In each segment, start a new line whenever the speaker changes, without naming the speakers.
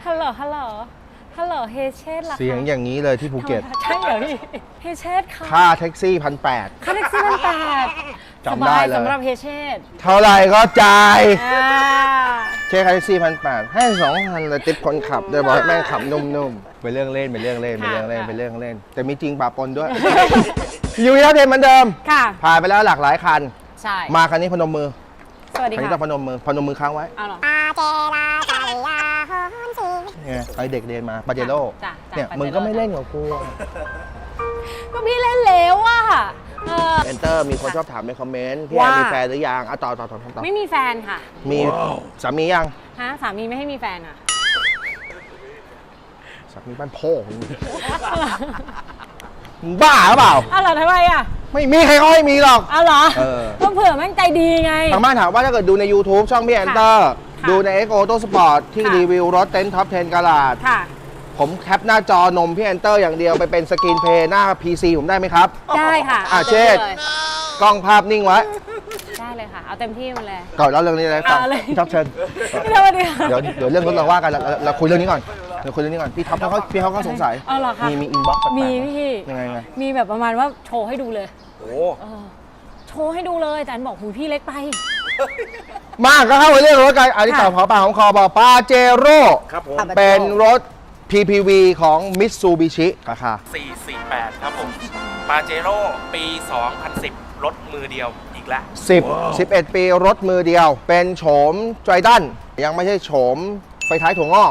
ฮัลโหลฮัลโหลฮัลโหลเฮเชสล่ะ
เสียงอย่างนี้เลยที่ภูเก็ต
ใช่เหรอพี่เฮเชสค่ะ
ค่าแท็กซี่1,800
ค่าแท็กซี่มัน800
จำได้เลย
สำหรับเฮเชส
เท่าไหร่ก็จ่าย
อ่า
เช็คค่าแท็กซี่1,800ให้2,000เลยติปคนขับโดยบอกให้แม่งขับนุ่มๆเป็นเรื่องเล่นเป็นเรื่องเล่นเป็นเรื่องเล่นเป็นเรื่องเล่นแต่มีจริงปะปนด้วย อยู่ที่เทนเหมือนเดิม
ค่ะ
ผ่านไปแล้วหลากหลายคัน
ใช่
มาคันนี้พนมมือ
สวัสดี
คันนี้
ค่ะ
ต้องพนมมือค้างไว้
เอาเหรอ
เนี่ยไอเด็กเรียนมาปาเจโร่
จ้ะ
เนี่ย
ปาเจโร่
มึงก็ไม่เล่นกับกู
ก็พี่เล่นแล้วอ่ะ
เอนเตอร์มีคนชอบถามในคอมเมนต์พี่แอน
ว่า
มีแฟนหรือยังต่อ
ไม่มีแฟนค่ะ
มีสามียัง
ฮะสามีไม่ให้มีแฟนอ่ะ
สามีบ้านพ่อมึงบ้าหรือเปล่า
อ้าวเหรอทำไมอ่ะ
ไม่มีใครเขาให้มีหรอก
อ้าวเหรอ
เออ
ก็เผื่อแม่งใจดีไง
ทางบ้านถามว่าถ้าเกิดดูใน YouTube ช่องพี่แอนเตอร์
ค่ะ
ดูใน X Auto Sport ที่
ค่ะ
รีวิวรถเต็นท์ท็อป 10 กาลาด
ค่ะ
ผมแคปหน้าจอนมพี่แอนเตอร์อย่างเดียวไปเป็นสกรีนเพลย์หน้า PC ผมได้ไหมครับ
ได้ค่ะ
เชษ
เลย
กล้องภาพนิ่งไว้
ได้เลยค่ะ เอาเต็มที่มาเลย
ก่อนเล่าเรื่องนี้เลยฟัง
เอาเลย
พี่ท็อปเชิญ
พี่สวัสดีค่ะ
เดี๋ยวเรื่องรถเราว่ากันเราคุยเรื่องนี้ก่อนเดี๋ยวคุยเรื่องนี้ก่อนพี่ท็อปเขาก็สงสัย
เอาเหรอคะ
มีอินบ็อกซ์แปลกๆ
มีพี่
ยังไง
มีแบบประมาณว่าโชว์ให้ดูเลย
โอ้
เออโชว์ให้ดูเลยแต่อันบอกหูพี่เล็กไป
มากก็เข้าไปเรื่องรถกันอันนี้ต่อขอปากของคอบอกปาเจโร่
ครับผม
เป็นรถ PPV ของ Mitsubishi ราคา
448 ครับผมปาเจโร่ปี 2010 รถมือเดียวอีกแล้ว
11 ปีรถมือเดียว เป็นโฉมไตรดันยังไม่ใช่โฉมไฟท้ายถั่วงอก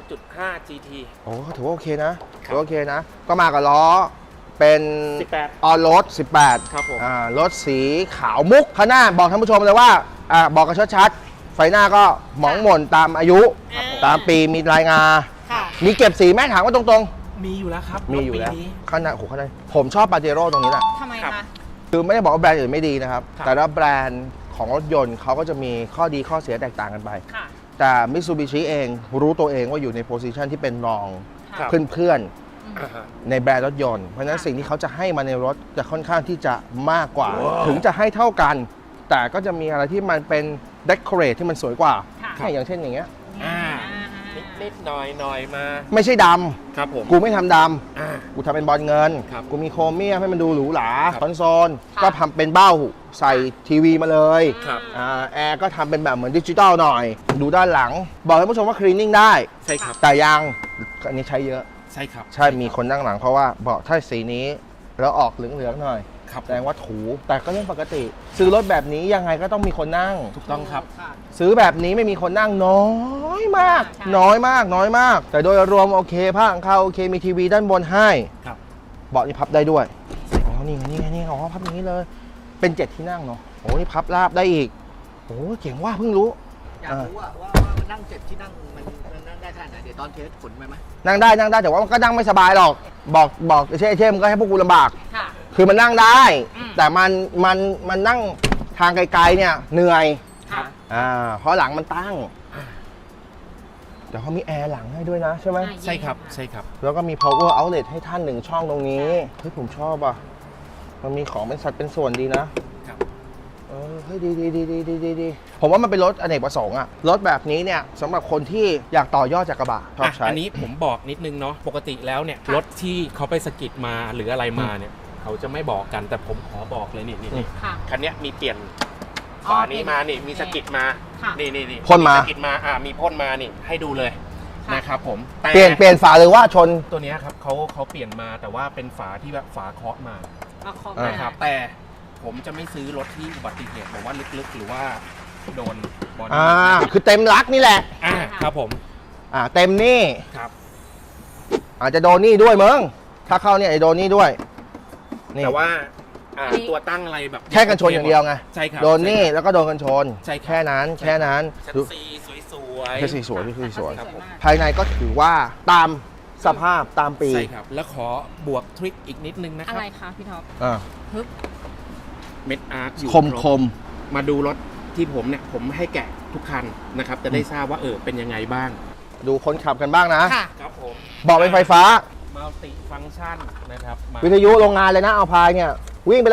2.5 GT
โอ้ถือว่าโอเคนะถือว่าโอเคนะ ก็มากับล้อเป็น
18
ออโรด18
ครับผม
รถสีขาวมุกข้างหน้าบอกท่านผู้ชมเลยว่าบอกกันชัดๆไฟหน้าก็หมองหม่นตามอายุ ตามปีมีรายงาน
ค่ะ
มีเก็บสีไหมถามว่าตรง
มีอยู่แล้วครับ
ๆ มีอยู่แล้ว
รถปีนี้
ข้างหน้าโอ้โหข้างในผมชอบปาเจโร่ตรงนี้แหละ
ทำไม
ครั
คะ
บ
คือไม่ได้บอกว่าแบรนด์อื่นไม่ดีนะครับ
ครับ
แต่ละแบรนด์ของรถยนต์เขาก็จะมีข้อดีข้อเสียแตกต่างกันไป
ค่ะ
แต่ Mitsubishi เองรู้ตัวเองว่าอยู่ในโพสิชันที่เป็นรอง
ครับ
เพื่อน
อ่าฮะ
ๆในแบรนด์รถยนต์ เพราะฉะนั้น
ค่ะ
สิ่งที่เขาจะให้มาในรถจะค่อนข้างที่จะมากกว่า ถึงจะให้เท่ากัน แต่ก็จะมีอะไรที่มันเป็น decorate ที่มันสวยกว่า
ค่ะ
อย่างเช่นอย่างเงี้ย
อ่านิดๆหน่อยๆมา
ไม่ใช่ด
ครับผม
ำกูไม่ทำด
อ่า
ำกูทำเป็นบอลเงิน
ครับ
กูมีโครเมียมให้มันดูหรูหรา
ครับ
คอนโซลก็ทำเป็นเบ้าใส่ทีวีมาเลย
ครับ
แอร์ก็ทำเป็นแบบเหมือนดิจิตอลหน่อย ดูด้านหลัง บอกให้ผู้ชมว่าคลีนนิ่งได้
ใช่ครับ
แต่ยังอันนี้ใช้เยอะ
ใช่ครับ
ใช่มีคนนั่งหลังเพราะว่าบอกถ้าสีนี้แล้วออกเหลืองๆหน่อย
ครับ
แสดงว่าถู แต่ก็เรื่องปกติ ซื้อรถแบบนี้ยังไงก็ต้องมีคนนั่ง
ถูกต้องครับ
ซื้อแบบนี้ไม่มีคนนั่งน้อยมาก
ใช่
น้อยมากน้อยมาก แต่โดยรวมโอเคผ้าของเขาโอเคมีทีวีด้านบนให้
ครับ
เบาะนี่พับได้ด้วยอ๋อนี่ไงนี่ไงนี่ไงอ๋อพับอย่างนี้เลย เป็น7ที่นั่งเนาะโอ้นี่พับราบได้อีกโอ้เจ๋งว่าเพิ่งรู้
อยากรู้ว่ามันนั่งเจ็บที่นั่งมันนั่งได้ขนาดไหนเดี๋ยวตอนเทสขนไปไหม
นั่งได้แต่ว่ามันก็นั่งไม่สบายหรอกบอกเช่มึงก็ให้พวกกูลำบาก
ค่ะ
คือมันนั่งได้
อืม
แต่มันนั่งทางไกลๆเนี่ยเหนื่อย
ค่ะ
เพราะหลังมันตั้งเดี๋ยวเขามีแอร์หลังให้ด้วยนะใช่ไหม
ใช่ครับ ใช่ครับ
แล้วก็มี power outlet ให้ท่าน1ช่องตรงนี้เฮ้ยผมชอบอ่ะมันมีของเป็นสัดเป็นส่วนดีนะครับ เฮ้ยดีผมว่ามันเป็นรถอเนกประสงค์อะรถแบบนี้เนี่ยสำหรับคนที่อยากต่อยอดจากกระบะชอบใช้
อันนี้ผมบอกนิดนึงเนาะปกติแล้วเนี่ยรถที่เขาไปสะกิดมาหรืออะไรมาเนี่ยเขาจะไม่บอกกันแต่ผมขอบอกเลยนี่
ค่ะ
คันเนี้ยมีเปลี่ยน
อ๋อ
ฝานี้มานี่มีสะกิดมา
ค่ะ
นี่
พ่นมา
สะกิดมามีพ่นมานี่ให้ดูเลย
ค่ะ
นะครับผมแต่
เปลี่ยนฝาหรือว่าชน
ตัวเนี้ยครับเขาเปลี่ยนมาแต่ว่าเป็นฝาที่แบบฝาเคาะมา
เอาของ
อ่า
นะครับแต่ผมจะไม่ซื้อรถที่อุบัติเหตุแบบว่าลึกๆ หรือว่าโดนบอดี้
คือเต็มรักนี่แหละ
ครับผม
เต็มนี่
ครับ
อาจจะโดนนี่ด้วยมึงถ้าเข้าเนี่ยไอ้โดนนี่ด้วยนี่
แต่ว่าตัวตั้งอะไรแบบ
แค่กันชนอย่างเดียวไง
ใช่ครับ
โดนนี่แล้วก็โดนกันชน
ใช่ครับ
แค่นั้น
ใช่
แค่นั้น
ชั้น
ดู
ซีสวย
แค่สีสวยที่สวย
ครับผม
ภายในก็ถือว่าตามสภาพตามปี
ใช่ครับ แล้วขอบวกทริคอีกนิดนึงนะค
อะ
รับ
ไรคะพี่ท็อป
อ่า
ฮึบ
เม็ดอาร์ตอยู่
คม
รบ
คม
มาดูรถที่ผมเนี่ยผมให้แกะทุกคันนะครับจะได้ทราบว่าเป็นยังไงบ้าง
ดูคนขับกันบ้างนะ
ค่ะ
ครับผม
บอกเป็นไฟฟ้า
มัลติฟังก์ชันนะครับมา
วิทยุโรงงานเลยนะเอาพายเนี่ย วิ่งไปแล้ว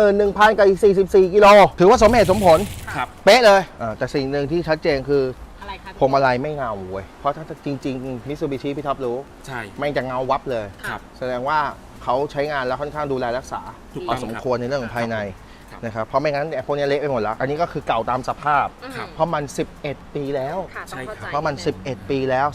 271,000 กับอีก 44 กิโล ถือว่าสมเหตุสมผล
ครับ
เป๊ะเลยแต่สิ่งหนึ่งที่ชัดเจนคือ
อะไรคะ
พวงมาลัยไม่เงาเว้ยเพราะถ้าจริงๆมิตซูบิชิพี่ท็อปรู้
ใช่
แม่งจะเงาวับเลย
ครับ
แสดงว่าเขาใช้งานแล้วค่อนข้างดูแลรักษา
ถูก
พ
ต้
อ
อง
สมควรในเรื่องของภายใน
ครับ
นะครับเพราะไม่งั้นพวกนี้เละไปหมดแล้ว อันนี้ก็คือเก่าตามสภาพ
ครับ
เพราะมัน 11 ปีแล้ว
ค่ะต้องเข้าใจ
เพราะมัน 11 ปีแล้ว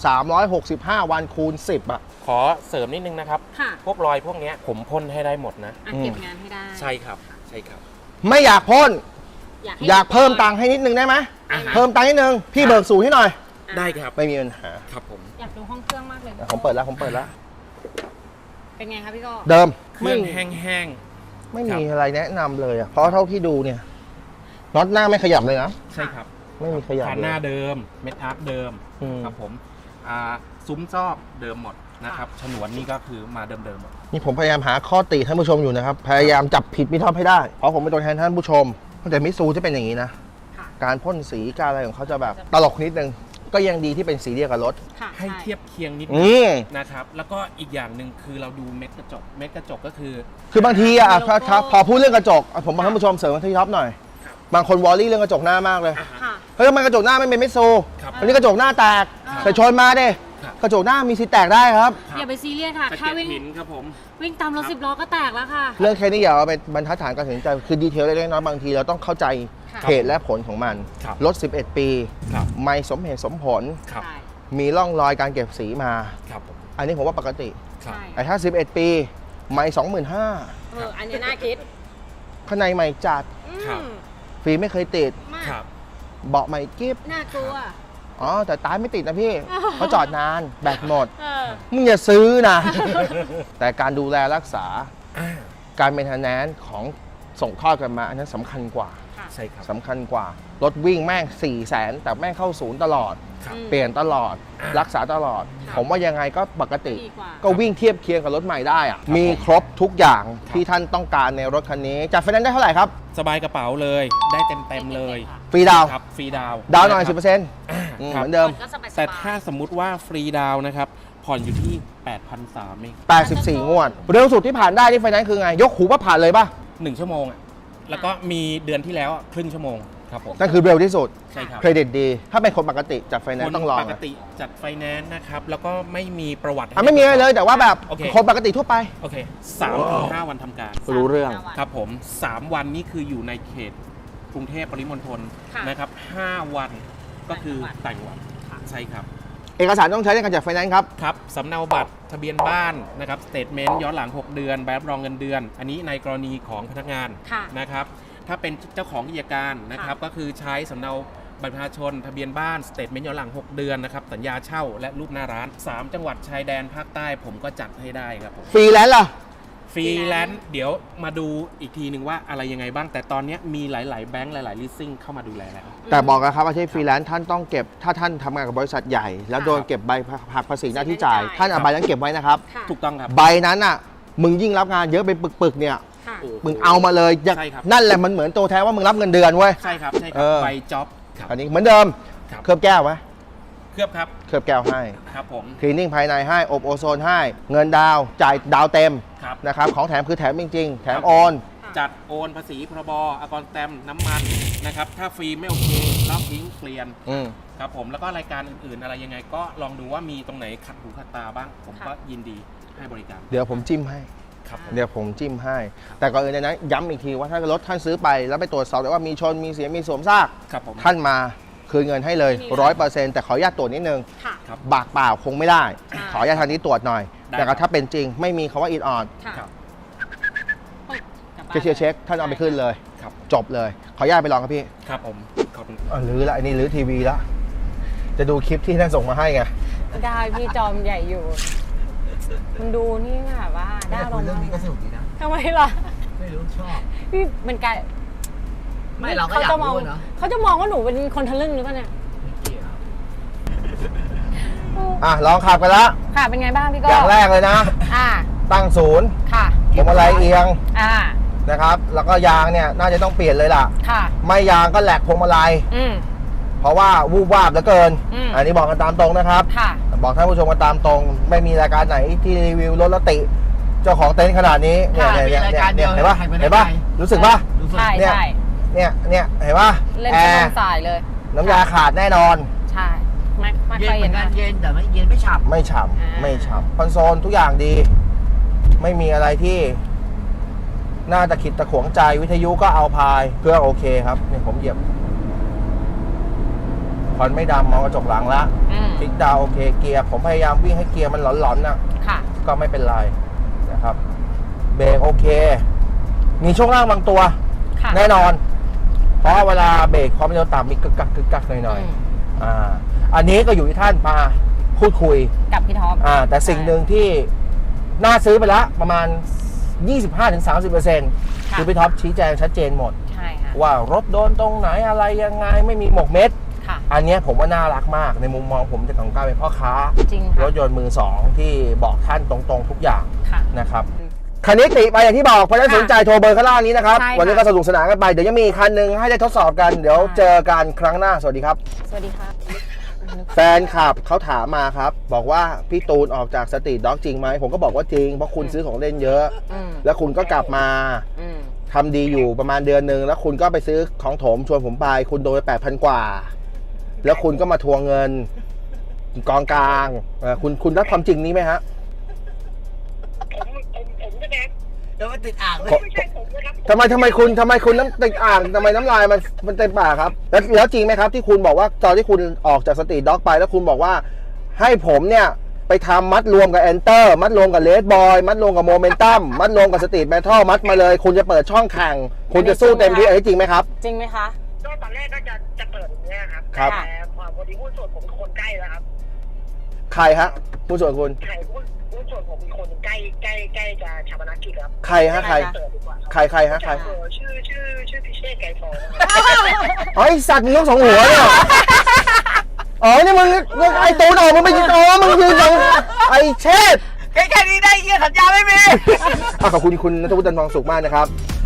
365 วันคูณ 10 อ่ะ
ขอเสริมนิดนึงนะครับ
ค่ะ
พวกรอยพวกเนี้ยผมพ่นให้ได้หมดนะ
อ่ะเก็บงานให้ได้
ใช่ครับ ใช่ครับ
ไม่อยากพ่น
ให้
อยากเพิ่มตังค์ให้นิดนึงได้ไหม
อ่าฮะ
เพิ่มตังค์นิดนึงพี่เบิกสูตรให้หน่อย
ได้ครับ
ไม่มีปัญหา
ครับผม
อยากดูห้องเครื่องมากเลย
ผมเปิดแล้วผมเปิดแล้ว
เป็นไงคะพี่โก็
เดิม
เครื่องแห้ง
ไม่มีอะไรแนะนำเลยอ่ะเพราะเท่าที่ดูเนี่ยน็อตหน้าไม่ขยับเลยนะ
ๆ ใช่ครับ
ไม่มีขยับ
ฐาน
เล
หน้าย เดิม เม็ดอาร์คเดิม
อืม
ครับผมซุ้มซอกเดิมหมดนะครับ ฉนวนนี่ก็คือมาเดิมๆหมด
นี่ผมพยายามหาข้อติท่านผู้ชมอยู่นะครับ พยายามจับผิดมิท็อปให้ได้ เพราะผมเป็นตัวแทนท่านผู้ชมแต่มิซูจะเป็นอย่างนี้นะ
ค่ะ
การพ่นสีการอะไรของเขาจะแบบตลกนิดนึง ก็ยังดีที่เป็นสีเดียวกับรถ
ค่ะ
ให้เทียบเคียงนิดนึ
อื
ง
ม
นะครับ แล้วก็อีกอย่างหนึ่งคือเราดูเม็ดกระจก เม็ดกระจกก็คือ
คือบางทีอ่ะครับพอพูดเรื่องกระจกผมบอกท่านผู้ชมเสริมที่ท็อปหน่อย
ครับ
บางคนวอลลี่เรื่องกระจกหน้ามากเลย
ค่ะ
เฮ้ยทำไมกระจกหน้าไม่เป็นมิซู
ครับ
อันนี้กระจกหน้าแตก
ครับ
แต่ชนมาดิ
ครับ
กระจกหน้ามีสิทธิ์แตกได้ครับ
อย่าไปซีเรียสค่ะ
สะ
ถ้า
เก็ด
วิ่ง
หินครับผม
วิ่งตามรถ
ครับ
10 ล้อก็แตกแล้วค่ะ
เรื่องแค่นี้อย่าเอาเป็นบรรทัดฐานการตัดสินใจคือดีเทลเล็กๆน้อยๆบางทีเราต้องเข้าใจ
ค่ะ
เหตุและผลของมัน
ครับ
รถ 11 ปี
ครับ
ไม่สมเหตุสมผล
ครับ
ใช่
มีร่องรอยการเก็บสีมา
ครับผม
อันนี้ผมว่าปกติ
ครับ
ใช่
แต่ถ้า 11 ปีไม่25,000
อันนี้น่าคิด
ข้างในใหม่จัด
ครับ
ฟรีไม่เคยติด
มาก
ครับ
เบาะใหม่กิฟ
น่ากลัว
อ๋อ แต่ตายไม่ติดนะพี่เพราะจอดนานแบตหมด
เออ
มึงอย่าซื้อนะ แต่การดูแลรักษา
อ่า
การเมนเทนแนนซ์ของส่งทอดกันมา อันนั้นสำคัญกว่า
ค่ะ
ใช่ครับ
สำคัญกว่า รถวิ่งแม่ง 400,000 แต่แม่งเข้าศูนย์ตลอด
ครับ
อืม
เปลี่ยนตลอด
อ่า
รักษาตลอด
ครับ
ผมว่ายังไงก็ปกติ
ดีกว่า
ก็วิ่งเทียบเคียงกับรถใหม่ได้อะ
ครับ
มี
ผม
ครบทุกอย่าง
ครับ
ที่ท่านต้องการในรถคันนี้จัดไฟแนนซ์ได้เท่าไหร่ครับ
สบายกระเป๋าเลย ได้เต็มๆเลย
ฟรีดาวน์
ครับ ฟรีดาวน์
ดาวน์หน่อย
ะครับ
10%เห
ครับ
มือนเดิม
ก็สบายๆ
แต่ถ้าสมมุติว่าฟรีดาวน์นะครับ ผ่อนอยู่ที่ 8,300เอง
84 งวด เร็วสุดที่ผ่านได้ที่ไฟแนนซ์คือไง ยกหูว่าผ่านเลยป่ะ
1 ชั่วโมงอ่ะ แล้วก็มีเดือนที่แล้วอะครึ่งชั่วโมงครับผม
นั่นคือเร็วที่สุด
ใช่ครับ
เครดิตดี ถ้าเป็นคนปกติจัดไฟแนนซ์ต้องรอ
ปกติจัดไฟแนนซ์นะครับ แล้วก็ไม่มีประวัติ
ไม่มีอะไรเลยแต่ว่าแบบ
โอเค
คนปกติทั่วไป
โอเค3-5 วันทำการ
รู้เรื่อง
ครับผม 3 วันนี่คืออยู่ในเขตกรุงเทพปริมณฑล
ค่ะ
นะครับ 5 วันก็คือต่างจังหวัด
ค่ะ
ใช่ครับ
เอกสารต้องใช้ในการจัดไฟแนนซ์ครับ
ครับสำเนาบัตรทะเบียนบ้านนะครับสเตทเมนต์ย้อนหลัง 6 เดือนใบรับรองเงินเดือน อันนี้ในกรณีของพนักงาน
ค่ะ
นะครับ ถ้าเป็นเจ้าของกิจการนะครับ ก็คือใช้สำเนาบัตรประชาชน ทะเบียนบ้านสเตทเมนต์ย้อนหลัง 6 เดือนนะครับ สัญญาเช่าและรูปหน้าร้าน 3 จังหวัดชายแดนภาคใต้ผมก็จัดให้ได้ครับผม
ฟรีแลนซ์ล่ะ
ฟรีแลนซ์เดี๋ยวมาดูอีกทีหนึ่งว่าอะไรยังไงบ้าง แต่ตอนนี้มีหลาย ๆ แบงค์หลาย ๆ ลิสซิ่งเข้ามาดูแลแล้ว
แต่บอกนะครับอาชีพฟรีแลนซ์ท่านต้องเก็บ ถ้าท่านทำงานกับบริษัทใหญ่ แล้วโดนเก็บใบหักภาษีหน้าที่จ่าย ท่านเอาใบนั้นเก็บไว้นะครับ
ค่ะ
ถูกต้องครับ
ใบนั้นอ่ะ มึงยิ่งรับงานเยอะเป็นปึกๆเนี่ย
ค่ะ
โอ้โห
มึงเอามาเลยอย่า
ใช่ครับ
นั่นแหละมันเหมือนตัวแทนว่ามึงรับเงินเดือนเว้ย
ใช่ครับ ใช่ค
เอ
รับ
อ
ใบจ็อบครับ
อันนี้เหมือนเดิม
ครับ
เคลือบแก้วไหม
เคลือบครับ
เคลือบแก้วให้
ครับผม
คลีนนิ่งภายในให้ อบโอโซนให้ เงินดาวน์จ่ายดาวเต็ม
ครับ
นะครับ ของแถมคือแถมจริงๆ แถมโอน
จัดโอนภาษีพรบอากรแตมน้ำมันนะครับ ถ้าฟรีไม่โอเคลอกทิ้งเปลี่ยน
อืม
ครับผมแล้วก็รายการอื่นๆ อะไรยังไงก็ลองดูว่ามีตรงไหนขัดหูขัดตาบ้าง ผมก็ยินดีให้บริการ
เดี๋ยวผมจิ้มให้
ครับผม
เดี๋ยวผมจิ้มให้ แต่ก่อนอื่นนะย้ำอีกทีว่าถ้ารถท่านซื้อไปแล้วไปตรวจสอบได้ว่ามีชนมีเสียมีสวมซาก
ครับผม
ท่านมาคืนเงินให้เลย
ไม่มี
100%แต่ขออนุญาตตรวจนิดนึง
ค่ะ
ครับ
บากเปล่าคงไม่ได้
ใช่
ขออนุญาตทางนี้ตรวจหน่อย
ได้
แต่
ครั
ก็
บ
ถ้าเป็นจริงไม่มีคำว่าอินออน
ค่ะ
ครับ
เช็คท่านเอาไปขึ้นเลย
ครับ
จบเลย ขออนุญาตไปลองครับพี่
ครับผมขอบคุณ
ลื้อละอันนี้ลื้อทีวีละจะดูคลิปที่ท่านส่งมาให้ไง
ได้พี่จอมใหญ่อยู่ มันดูนี่แบบว่าได้อารมณ์
เรื่องนี้ก็สนุกดีนะ
ทำไมล่ะ
ไม่รู้ชอบ
พี่มันกลาย
ไม่เราก็อยาก
จะมอง
รู้อะเนาะ
เขาจะมองว่าหนูเป็นคนทะลึ่งหรือเปล่าเนี่ย
ไม่เกี่ยว
อ่ะลองขับกันละ
ค่ะเป็นไงบ้างพี่ก็
อย่างแรกเลยนะ
อ่า
ตั้งศูนย์
ค่ะ
พวงมาลัยเอียง
อ่า
นะครับ แล้วก็ยางเนี่ยน่าจะต้องเปลี่ยนเลยล่ะ
ค่ะ
ไม่ยางก็แหลกพวงมาลัย
อืม
เพราะว่าวูบวาบเหลือเกิน
อืม
อันนี้บอกกันตามตรงนะครับ
ค่ะ
บอกท่านผู้ชมกันตามตรง ไม่มีรายการไหนที่รีวิวรถและติ เจ้าของเต็นท์ขนาดนี้เนี่ย
ค่ะ
เนี่ย
มีราย
เนี่ย
การเดี
เนี่ย
ยว
เห็นปะ
ใครไม่ได้
เห็นปะ
ไป
รู้สึกปะ
รู้สึก
ใช่
เนี่ย
ใช่
เนี่ยเห็นปะ
เล่น
แอ
เป็น
ร์
สายเลย
น้ำยาขาดแน่นอน
ใช่ไม่
เย็
ค่อน ย
เหมื
เห็
อน นกัน
นะ
เย็นแต่ไม่เย็นไม่ฉ่ำ
ไม่ฉ่
อ่า
ำไม่ฉ่ำคอนโซลทุกอย่างดี ไม่มีอะไรที่น่าตะขิดตะขวงใจวิทยุก็เอาพายเครื่องโอเคครับเนี่ยผมเหยียบควันไม่ดำมองกระจกหลังละ คลิกดาวน์โอเคเกียร์ผมพยายามวิ่งให้เกียร์มันหลอนๆนะ
ค่ะ
ก็ไม่เป็นไรนะครับเบรกโอเค มีช่วงล่างบางตัว
ค่ะ
แน่นอน เพราะเวลาเบรกความเร็วต่ำมีกึกกักกึกกักหน่อย
อืม
ๆอันนี้ก็อยู่ที่ท่านมาพูดคุย
กับพี่ท็อป
แต่สิ่งหนึ่งที่น่าซื้อไปละประมาณ 25-30% คือพี่ท็อปชี้แจงชัดเจนหมด
ใช่ค่ะ
ว่ารถโดนตรงไหนอะไรยังไงไม่มีหมกเม็ด
ค่ะ
อันเนี้ยผมว่าน่ารักมากในมุมมองผมจากของการเป็นพ่อค้า
จริง
ร
ค่ะ
ถยนต์มือสองที่บอกท่านตรงๆทุกอย่าง
ค่ะ
นะครับคันนี้ติไปอย่างที่บอกเพราะฉะนั้น
ค่ะ
สนใจโทรเบอร์ข้างล่างนี้นะครับ
ใช่ค่ะ
วันนี้ก็สนุกสนานกันไปเดี๋ยวยังมีอีกคันหนึ่งให้ได้ทดสอบกันเดี๋ยว
ค่ะ
เจอกันครั้งหน้าสวัสดีครับ
สวัสดีค่ะ
แฟนคลับเขาถามมาครับ บอกว่าพี่ตูนออกจากสตรีทด็อกจริงไหมผมก็บอกว่าจริงเพราะคุณซื้อของเล่นเยอะ
อืม
แล้วคุณก็กลับมา
อืม
ทำดีอยู่ประมาณเดือนหนึ่งแล้วคุณก็ไปซื้อของโถมชวนผมไปคุณโดนไป 8,000 กว่า แล้วคุณก็มาทวงเงินกองกลางคุณรับความจริงนี้ไหมฮะ
ผมใช่ไหม
แล้วมันติดอ่างเลย
ไม่ใช่ผมนะครับ
ทำไมคุณน้ำติดอ่างทำไมน้ำลายมันเต็มปากครับแล้วจริงไหมครับที่คุณบอกว่าตอนที่คุณออกจากสตรีทด็อกไปแล้วคุณบอกว่าให้ผมเนี่ยไปทำมัดรวมกับแอนเตอร์มัดรวมกับเลดบอยมัดรวมกับโมเมนตัมมัดรวมกับสตรีทแมทัลมัดมาเลย คุณจะเปิดช่องแข่งคุณจะสู้เต็มที่อันนี้จริงไหมครับ
จริงไหมคะ
ก็ตอนแรกก็จะเปิดอย่างเงี้ยครับ
ครับ
แต่พอดีหุ้นส่วนผมเป็นคนใกล้แล้วครับ
ใครฮะผู้ส่วนคุณ
ใช่หุ้นส่วนผมเป็นคนใกล้จะชาปนกิจครับ
ใครฮะใคร
เปิดดีกว่าครับ
ใครฮะใคร
ชื่อพิเชษไก่ทอง
อ๋อไอสัตว์มึงต้องสองหัวเนี่ยอ๋อนี่มึงไอตูนออกมึงไปยืนมึงยืนตรงไอเชษ
แค่นี้ได้เยี่ยสัญญาไม่มี
ขอบคุณคุณณัฐวุฒิ จันทร์ทองสุขมากนะครับ